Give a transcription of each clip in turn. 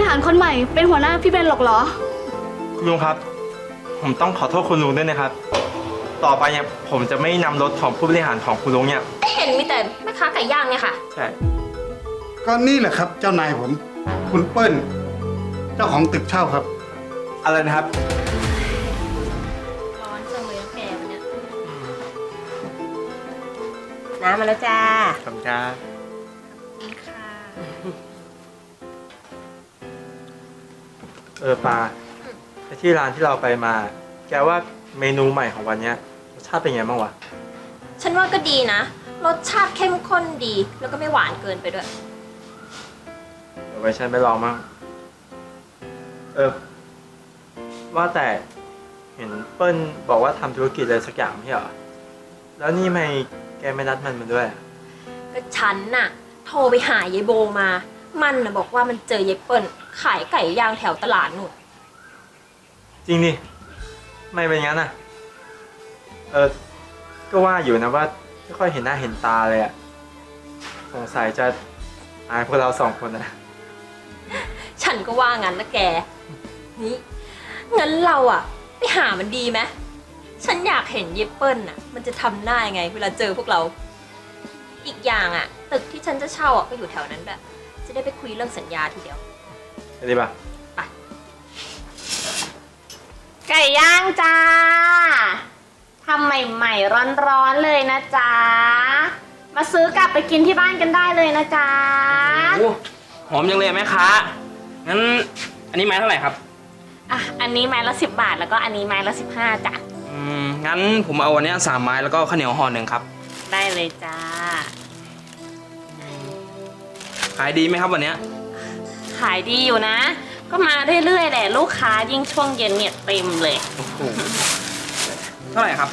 หารคนใหม่เป็นหัวหน้าพี่เบนหรอกเหรอคุณลุงครับผมต้องขอโทษคุณลุงด้วยนะครับต่อไปเนี่ยผมจะไม่นำรถของผู้บริหารของคุณลุงเนี่ยเห็นมีแต่แม่ค้าไก่ย่างเนี่ยค่ะใช่ก็นี่แหละครับเจ้านายผมคุณเปิ้ลเจ้าของตึกเช่าครับอะไรนะครับร้อนจังเลยแกวันเนี้ยน้ำมาแล้วจ้าขอบคุณครับนี่ค่ะปลาที่ร้านที่เราไปมาแกว่าเมนูใหม่ของวันนี้รสชาติเป็นไงบ้างวะฉันว่าก็ดีนะรสชาติเข้มข้นดีแล้วก็ไม่หวานเกินไปด้วยเดี๋ยวไว้ฉันไปลองมั่งว่าแต่เห็นเปิ้ลบอกว่าทำธุรกิจอะไรสักอย่างไม่ใช่เหรอแล้วนี่ไม่แกไม่นัดมันมาด้วยก็ฉันน่ะโทรไปหายายโบมามันน่ะบอกว่ามันเจอยายเปิ้ลขายไก่ย่างแถวตลาดนู่นจริงดิไม่เป็นงั้นน่ะก็ว่าอยู่นะว่าไม่ค่อยเห็นหน้าเห็นตาเลยอะสงสัยจะอายพวกเราสองคนนะฉันก็ว่างั้นนะแกนี่งั้นเราอะไปหามันดีไหมฉันอยากเห็นเยเปิ้ลน่ะมันจะทำหน้ายังไงเวลาเจอพวกเราอีกอย่างอะตึกที่ฉันจะเช่าอะก็อยู่แถวนั้นแบบจะได้ไปคุยเรื่องสัญญาทีเดียวไปดีป่ะไปไก่ย่างจ้าทำใหม่ๆร้อนๆเลยนะจ๊ะมาซื้อกลับไปกินที่บ้านกันได้เลยนะจ๊ะโอ้หอมจังเลยแม่ค้างั้นอันนี้ไม้เท่าไหร่ครับอันนี้ไม้ละ10 บาทแล้วก็อันนี้ไม้ละ15จ้ะงั้นผมเอาวันนี้3 ไม้แล้วก็ข้าวเหนียวห่อ1ครับได้เลยจ้าขายดีไหมครับวันนี้ขายดีอยู่นะก็มาเรื่อยๆแหละลูกค้ายิ่งช่วงเย็นเนี่ยเต็มเลยเท่าไหร่ครับ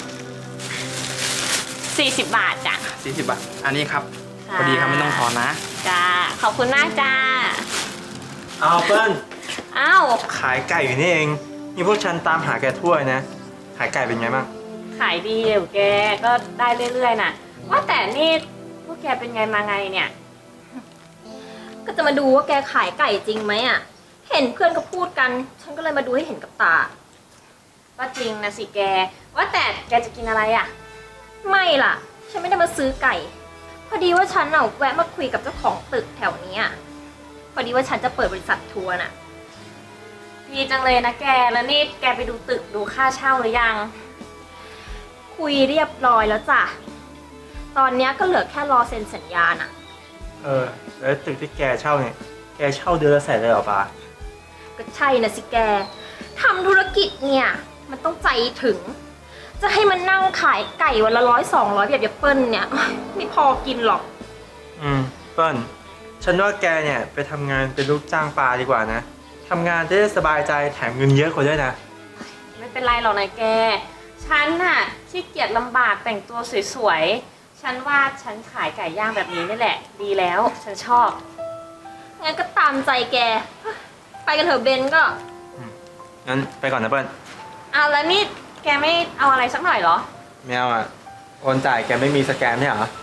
40 บาทจ้ะ 40 บาทอันนี้ครับพอดีครับไม่ต้องทอนนะจ้าขอบคุณมากจ้าเอาเปิ้ลขายไก่อยู่นี่เองนี่พวกฉันตามหาแกทั่วนะขายไก่เป็นไงบ้างขายดีอยู่แกก็ได้เรื่อยๆน่ะว่าแต่นี่พวกแกเป็นไงมาไงเนี่ยก็จะมาดูว่าแกขายไก่จริงไหมอ่ะเห็นเพื่อนก็พูดกันฉันก็เลยมาดูให้เห็นกับตาก็จริงนะสิแกว่าแต่แกจะกินอะไรอ่ะไม่ล่ะฉันไม่ได้มาซื้อไก่พอดีว่าฉันเอาแวะมาคุยกับเจ้าของตึกแถวนี้พอดีว่าฉันจะเปิดบริษัททัวร์น่ะดีจังเลยนะแกแล้วนี่แกไปดูตึกดูค่าเช่าหรือยังคุยเรียบร้อยแล้วจ้ะตอนนี้ก็เหลือแค่รอเซ็นสัญญาน่ะแล้วตึกที่แกเช่าเนี่ยแกเช่าเดือนละ100,000เลยเหรอปาก็ใช่นะสิแกทำธุรกิจเนี่ยมันต้องใจถึงจะให้มันนั่งขายไก่วันละ100-200แบบเปิ้ลเนี่ยไม่พอกินหรอกเปิ้ลฉันว่าแกเนี่ยไปทำงานเป็นลูกจ้างปลาดีกว่านะทำงานจะได้สบายใจแถมเงินเยอะกว่าด้วยนะไม่เป็นไรหรอกนะแกฉันน่ะขี้เกียจลำบากแต่งตัวสวยๆฉันว่าฉันขายไก่ย่างแบบนี้นี่แหละดีแล้วฉันชอบงั้นก็ตามใจแกไปกันเถอะเบนก็งั้นไปก่อนนะเปิ้ลแล้วนี่แกไม่เอาอะไรสักหน่อยเหรอไม่เอาโอนจ่ายแกไม่มีสแกนเนี่ยเหรอ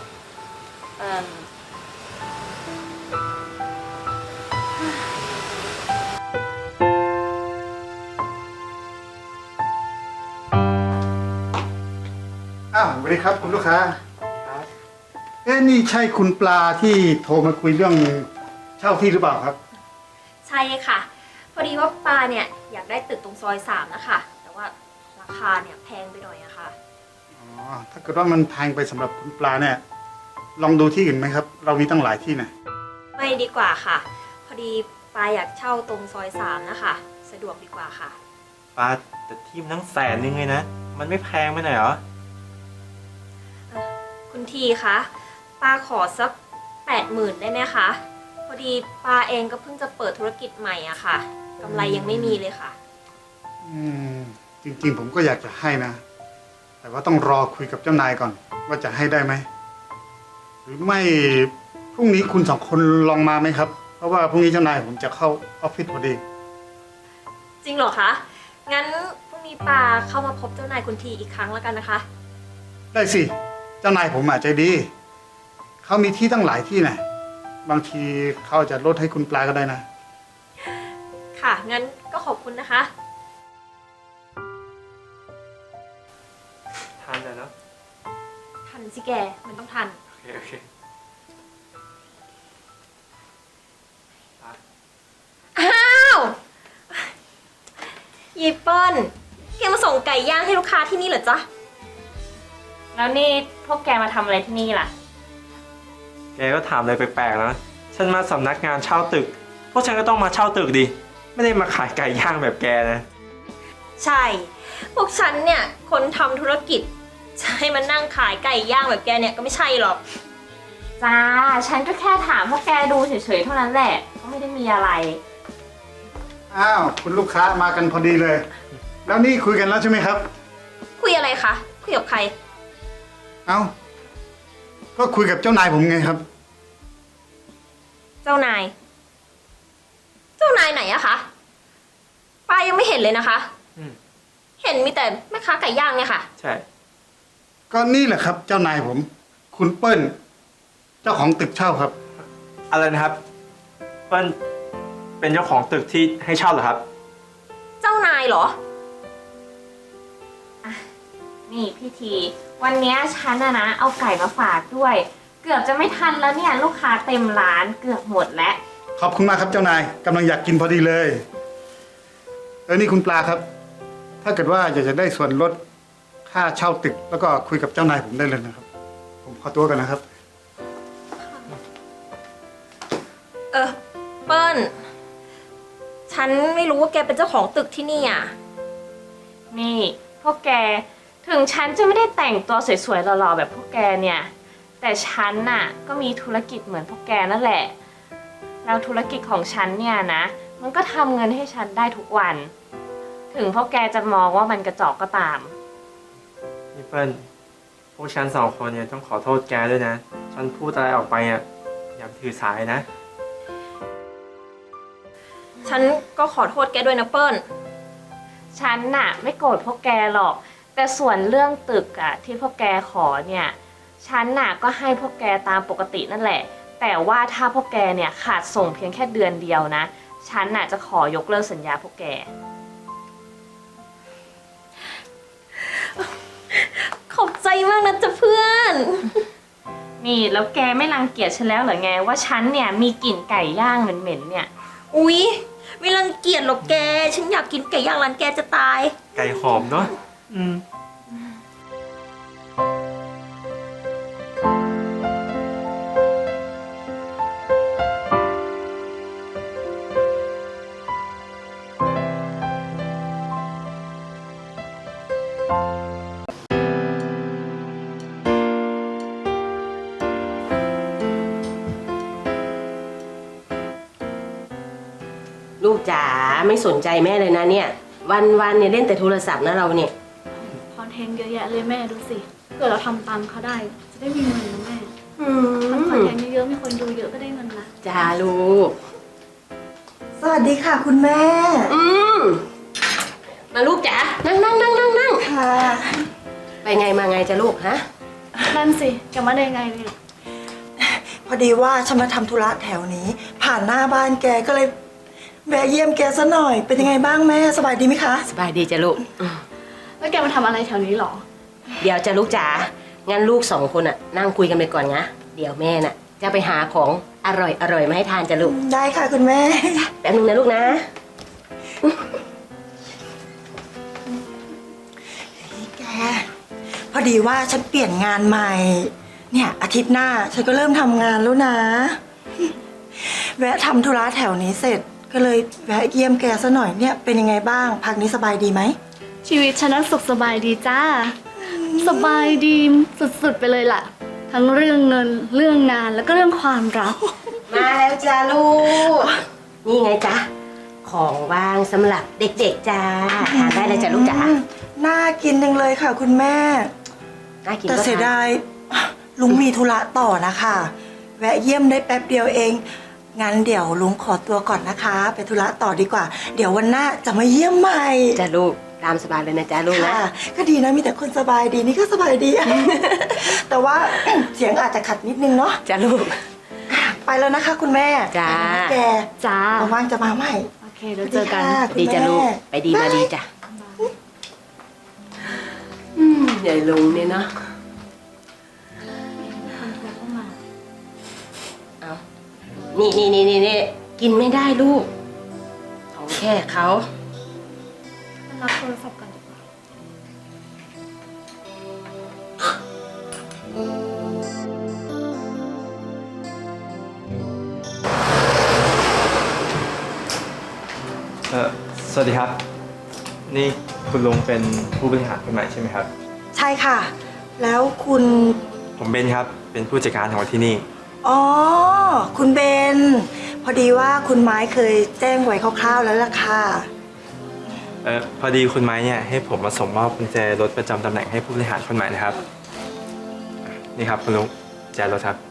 สวัสดีครับคุณลูกค้านี่ใช่คุณปลาที่โทรมาคุยเรื่องเช่าที่หรือเปล่าครับใช่ค่ะพอดีว่าปลาเนี่ยอยากได้ตึกตรงซอย3นะคะแต่ว่าราคาเนี่ยแพงไปหน่อยอะค่ะถ้าเกิดว่ามันแพงไปสำหรับคุณปลาเนี่ยลองดูที่อื่นไหมครับเรามีตั้งหลายที่นะไม่ดีกว่าค่ะพอดีปลาอยากเช่าตรงซอย3นะคะสะดวกดีกว่าค่ะปลาแต่ที่มันทั้ง100,000เลยนะมันไม่แพงไปหน่อยเหรอคุณทีคะปาขอสัก80,000ได้ไหมคะพอดีปาเองก็เพิ่งจะเปิดธุรกิจใหม่อะค่ะกำไรยังไม่มีเลยค่ะจริงๆผมก็อยากจะให้นะแต่ว่าต้องรอคุยกับเจ้านายก่อนว่าจะให้ได้ไหมหรือไม่พรุ่งนี้คุณ2 คนลองมาไหมครับเพราะว่าพรุ่งนี้เจ้านายผมจะเข้าออฟฟิศพอดีจริงเหรอคะงั้นพรุ่งนี้ปาเข้ามาพบเจ้านายคุณทีอีกครั้งแล้วกันนะคะได้สิเจ้านายผมใจดีเขามีที่ตั้งหลายที่นะบางทีเขาจะลดให้คุณปลาก็ได้นะงั้นก็ขอบคุณนะคะทานเลยเนาะทันสิแก มันต้องทันโอเคโอเคไปอ้าวยีเปิ้ลแกมาส่งไก่ย่างให้ลูกค้าที่นี่เหรอจ๊ะแล้วนี่พวกแกมาทำอะไรที่นี่ล่ะแกก็ถามอะไรแปลกๆแล้วฉันมาสำนักงานเช่าตึก พวกฉันก็ต้องมาเช่าตึกดิ ไม่ได้มาขายไก่ย่างแบบแกนะใช่ พวกฉันเนี่ย คนทำธุรกิจจะให้มานั่งขายไก่ย่างแบบแกเนี่ยก็ไม่ใช่หรอกจ้า ฉันก็แค่ถามพวกแกดูเฉยๆเท่านั้นแหละ ก็ไม่ได้มีอะไรอ้าวคุณลูกค้ามากันพอดีเลย แล้วนี่คุยกันแล้วใช่ไหมครับคุยอะไรคะ คุยกับใครเอ้าก็คุยกับเจ้านายผมไงครับเจ้านาย เจ้านายไหนอะคะป้ายังไม่เห็นเลยนะคะอืมเห็นมีแต่แม่ค้าไก่ย่างเนี่ยค่ะใช่ก็นี่แหละครับ เจ้านายผม คุณเปิ้ล เจ้าของตึกเช่าครับอะไรนะครับเปิ้ลเป็นเจ้าของตึกที่ให้เช่าเหรอครับเจ้านายเหรอนี่พี่ที วันเนี้ยฉันนะเอาไก่มาฝากด้วย เกือบจะไม่ทันแล้วเนี่ย ลูกค้าเต็มร้านเกือบหมดแล้วขอบคุณมากครับเจ้านายกำลังอยากกินพอดีเลยนี่คุณปลาครับ ถ้าเกิดว่าอยากจะได้ส่วนลดค่าเช่าตึก แล้วก็คุยกับเจ้านายผมได้เลยนะครับ ผมขอตัวกันนะครับเปิ้ล ฉันไม่รู้ว่าแกเป็นเจ้าของตึกที่นี่อ่ะนี่พวกแก ถึงฉันจะไม่ได้แต่งตัวสวยๆหล่อๆแบบพวกแกเนี่ย แต่ฉันน่ะก็มีธุรกิจเหมือนพวกแกนั่นแหละ แล้วธุรกิจของฉันเนี่ยนะ มันก็ทำเงินให้ฉันได้ทุกวัน ถึงพวกแกจะมองว่ามันกระจอกก็ตามนี่เปิ้ลพวกฉันสองคนเนี่ยต้องขอโทษแกด้วยนะ ฉันพูดอะไรออกไปอ่ะอย่าถือสายนะฉันก็ขอโทษแกด้วยนะเปิ้ลฉันน่ะไม่โกรธพวกแกหรอก แต่ส่วนเรื่องตึกอะที่พวกแกขอเนี่ย ฉันน่ะก็ให้พวกแกตามปกตินั่นแหละ แต่ว่าถ้าพวกแกเนี่ยขาดส่งเพียงแค่เดือนเดียวนะ ฉันน่ะจะขอยกเลิกสัญญาพวกแกขอบใจมากนะจ๊ะเพื่อนนี่แล้วแกไม่รังเกียจฉันแล้วเหรอไงว่าฉันเนี่ยมีกลิ่นไก่ย่างเหม็นๆเนี่ยอุ๊ย ไม่รังเกียจหรอกแก ฉันอยากกินไก่ย่างร้านแกจะตายไก่หอมเนาะอืมลูกจ๋าไม่สนใจแม่เลยนะเนี่ย วันเนี่ยเล่นแต่โทรศัพท์นะเราเนี่ยคอนเทนต์เยอะแยะเลยแม่ดูสิเกิดเราทำตามเขาได้ จะได้มีเงินนะแม่ทำคอนเทนต์เยอะๆมีคนดูเยอะก็ได้เงินนะจ้าลูกสวัสดีค่ะคุณแม่มาลูกจ๋านั่งค่ะไปไงมาไงจ้ะลูกฮะนั่นสิแกมาได้ไงเนี่ยพอดีว่าฉันมาทำธุระแถวนี้ ผ่านหน้าบ้านแกก็เลยแวะเยี่ยมแกซะหน่อย เป็นยังไงบ้างแม่สบายดีไหมคะสบายดีจ้ะลูกแล้วแกมาทำอะไรแถวนี้หรอเดี๋ยวจ้ะลูกจ๋างั้นลูกสองคนน่ะนั่งคุยกันไปก่อนนะเดี๋ยวแม่น่ะจะไปหาของอร่อยมาให้ทานจ้ะลูกได้ค่ะคุณแม่แป๊บนึงนะลูกนะแก พอดีว่าฉันเปลี่ยนงานใหม่ เนี่ยอาทิตย์หน้าฉันก็เริ่มทำงานแล้วนะ แวะทำธุระแถวนี้เสร็จ ก็เลยแวะเยี่ยมแกซะหน่อยเนี่ยเป็นยังไงบ้างพักนี้สบายดีไหมชีวิตฉันนั้นสุขสบายดีจ้า สบายดีสุดๆไปเลยล่ะ ทั้งเรื่องเงินเรื่องงานแล้วก็เรื่องความรักมาแล้วจ้าลูก นี่ไงจ๊ะของว่างสำหรับเด็กๆจ้าทานได้เลยจ้ะลูกจ๋าน่ากินจังเลยค่ะคุณแม่น่ากินแต่ก็เสียทานดายลุงมีธุระต่อนะคะ แวะเยี่ยมได้แป๊บเดียวเอง งั้นเดี๋ยวลุงขอตัวก่อนนะคะ ไปธุระต่อดีกว่า เดี๋ยววันหน้าจะมาเยี่ยมใหม่จ้ะลูกตามสบายเลยนะจ๊ะลูกนะค่ะ ก็ดีนะมีแต่คนสบายดีนี่ก็สบายดี แต่ว่า เสียงอาจจะขัดนิดนึงเนาะจ้ะลูกไปไปแล้วนะคะ คุณแม่จ้าไปแล้วนะแกจ้าว่างๆจะมาใหม่โอเคเดี๋ยวเจอกันสวัสดีจ้ะลูก ไปดีมาดีจ้ะใหญ่ลุงเนี่ยเนาะเอานี่กินไม่ได้ลูกของแค่เขารับโทรศัพท์ก่อนดีกว่าสวัสดีครับ นี่คุณลุงเป็นผู้บริหารคนใหม่ใช่ไหมครับใช่ค่ะ แล้วคุณผมเบนครับ เป็นผู้จัดการของที่นี่อ๋อ คุณเบน พอดีว่าคุณไม้เคยแจ้งไว้คร่าวๆแล้วล่ะค่ะพอดีคุณไม้เนี่ยให้ผมมาส่งมอบกุญแจรถประจำตำแหน่งให้ผู้บริหารคนใหม่นะครับ นี่ครับคุณลุงกุญแจรถครับ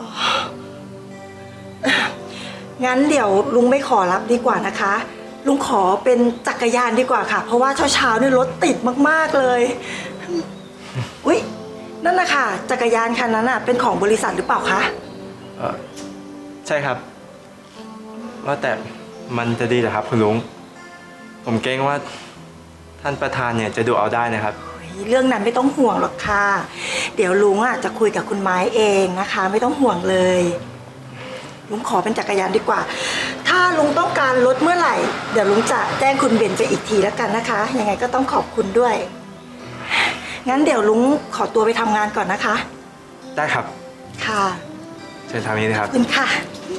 งั้นเดี๋ยวลุงไม่ขอรับดีกว่านะคะ ลุงขอเป็นจักรยานดีกว่าค่ะ เพราะว่าเช้าๆเนี่ยรถติดมากๆเลย อุ๊ย นั่นนะคะจักรยานคันนั้นเป็นของบริษัทหรือเปล่าคะใช่ครับ ว่าแต่มันจะดีเหรอครับคุณลุง ผมเกรงว่าท่านประธานเนี่ยจะดูเอาได้นะครับเรื่องนั้นไม่ต้องห่วงหรอกค่ะ เดี๋ยวลุงจะคุยกับคุณไม้เองนะคะ ไม่ต้องห่วงเลย ลุงขอเป็นจักรยานดีกว่า ถ้าลุงต้องการรถเมื่อไหร่ เดี๋ยวลุงจะแจ้งคุณเบนไปอีกทีแล้วกันนะคะ ยังไงก็ต้องขอบคุณด้วย งั้นเดี๋ยวลุงขอตัวไปทำงานก่อนนะคะได้ครับค่ะเชิญทางนี้นะครับขอบคุณค่ะ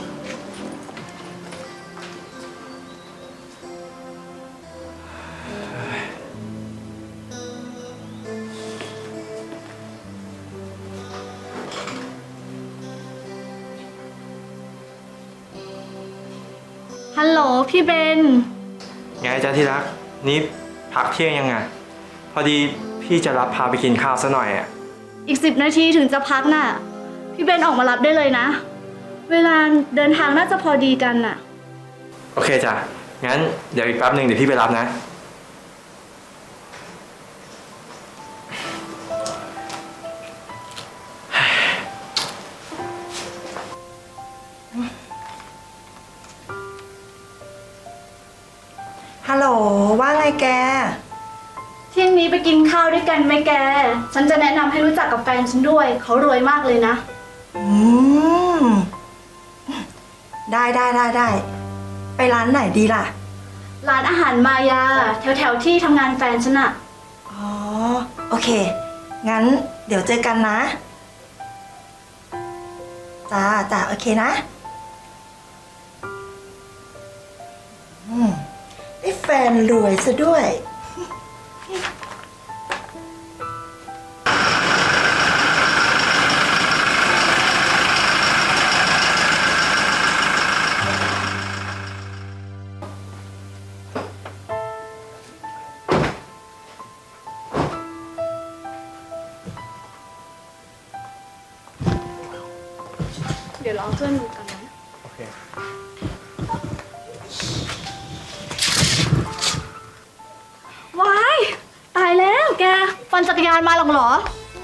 ฮัลโหลพี่เบนไงจ๊ะที่รัก นี่พักเที่ยงยังไง พอดีพี่จะรับพาไปกินข้าวซะหน่อยอ่ะอีก10 นาทีถึงจะพักน่ะ พี่เบนออกมารับได้เลยนะ เวลาเดินทางน่าจะพอดีกันน่ะโอเคจ้ะ งั้นเดี๋ยวอีกแป๊บหนึ่งเดี๋ยวพี่ไปรับนะฮัลโหล ว่าไงแกเที่ยงนี้ไปกินข้าวด้วยกันไหมแก ฉันจะแนะนำให้รู้จักกับแฟนฉันด้วย เขารวยมากเลยนะอืม ได้ ไปร้านไหนดีล่ะร้านอาหารมายา แถวๆที่ทำงานแฟนฉันอะอ๋อ โอเค งั้นเดี๋ยวเจอกันนะ จ้า โอเคนะ ได้แฟนรวยซะด้วยเดี๋ยวรอเพื่อนดูกันนะโอเคว้าย ตายแล้วแกปั่นจักรยานมาหรอกเหรอ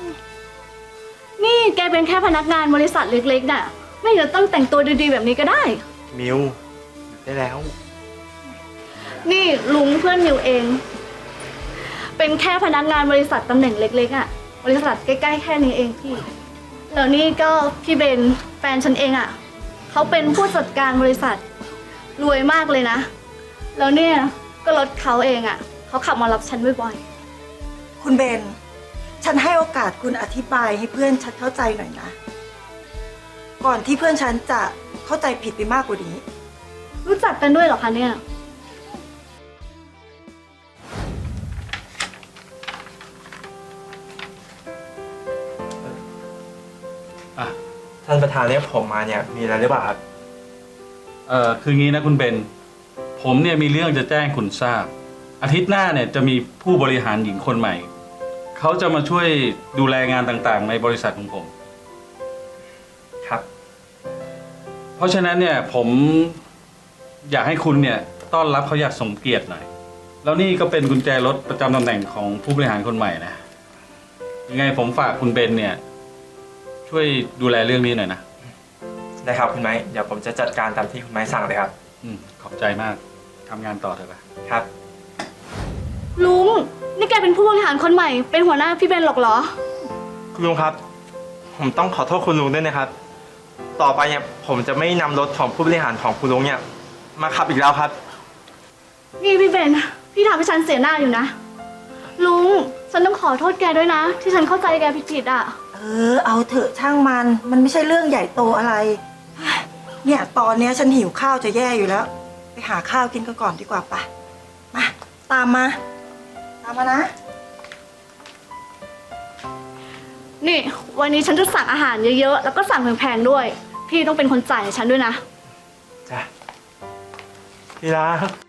นี่แกเป็นแค่พนักงานบริษัทเล็กๆน่ะ ไม่เห็นต้องแต่งตัวดีๆแบบนี้ก็ได้มิวได้แล้วนี่ลุงเพื่อนมิวเอง เป็นแค่พนักงานบริษัทตำแหน่งเล็กๆอ่ะ บริษัทใกล้ๆแค่นี้เองพี่ แล้วนี่ก็พี่เบนแฟนฉันเองอ่ะ เขาเป็นผู้จัดการบริษัทรวยมากเลยนะ แล้วเนี่ยก็รถเขาเองอ่ะ เขาขับมารับฉันบ่อยคุณเบน ฉันให้โอกาสคุณอธิบายให้เพื่อนฉันเข้าใจหน่อยนะ ก่อนที่เพื่อนฉันจะเข้าใจผิดไปมากกว่านี้ๆ รู้จักกันด้วยเหรอคะเนี่ยท่านประธานเรียกผมมาเนี่ยมีอะไรหรือเปล่าครับคืองี้นะคุณเบน ผมเนี่ยมีเรื่องจะแจ้งคุณทราบ อาทิตย์หน้าเนี่ยจะมีผู้บริหารหญิงคนใหม่ เขาจะมาช่วยดูแลงานต่างๆ ในบริษัทของผมครับเพราะฉะนั้นเนี่ยผมอยากให้คุณเนี่ยต้อนรับเขาอย่างสมเกียรติหน่อย แล้วนี่ก็เป็นกุญแจรถประจำตำแหน่งของผู้บริหารคนใหม่นะ ยังไงผมฝากคุณเบนเนี่ยช่วยดูแลเรื่องนี้หน่อยนะไได้ครับคุณไม้ เดี๋ยวผมจะจัดการตามที่คุณไม้สั่งเลยครับขอบใจมากทำงานต่อเถอะปะครับลุง นี่แกเป็นผู้บริหารคนใหม่ เป็นหัวหน้าพี่เบนหรอกเหรอคุณลุงครับ ผมต้องขอโทษคุณลุงด้วยนะครับ ต่อไปเนี่ยผมจะไม่นำรถของผู้บริหารของคุณลุงเนี่ยมาขับอีกแล้วครับนี่พี่เบน พี่ทำให้ฉันเสียหน้าอยู่นะ ลุง ฉันต้องขอโทษแกด้วยนะ ที่ฉันเข้าใจแกผิดๆอ่ะเอาเถอะช่างมัน มันไม่ใช่เรื่องใหญ่โตอะไร เนี่ยตอนเนี้ยฉันหิวข้าวจะแย่อยู่แล้ว ไปหาข้าวกินกันก่อนดีกว่าปะมา ตามมา ตามมานะนี่วันนี้ฉันจะสั่งอาหารเยอะๆ แล้วก็สั่งแพงๆด้วย พี่ต้องเป็นคนจ่ายให้ฉันด้วยนะจ้ะที่รัก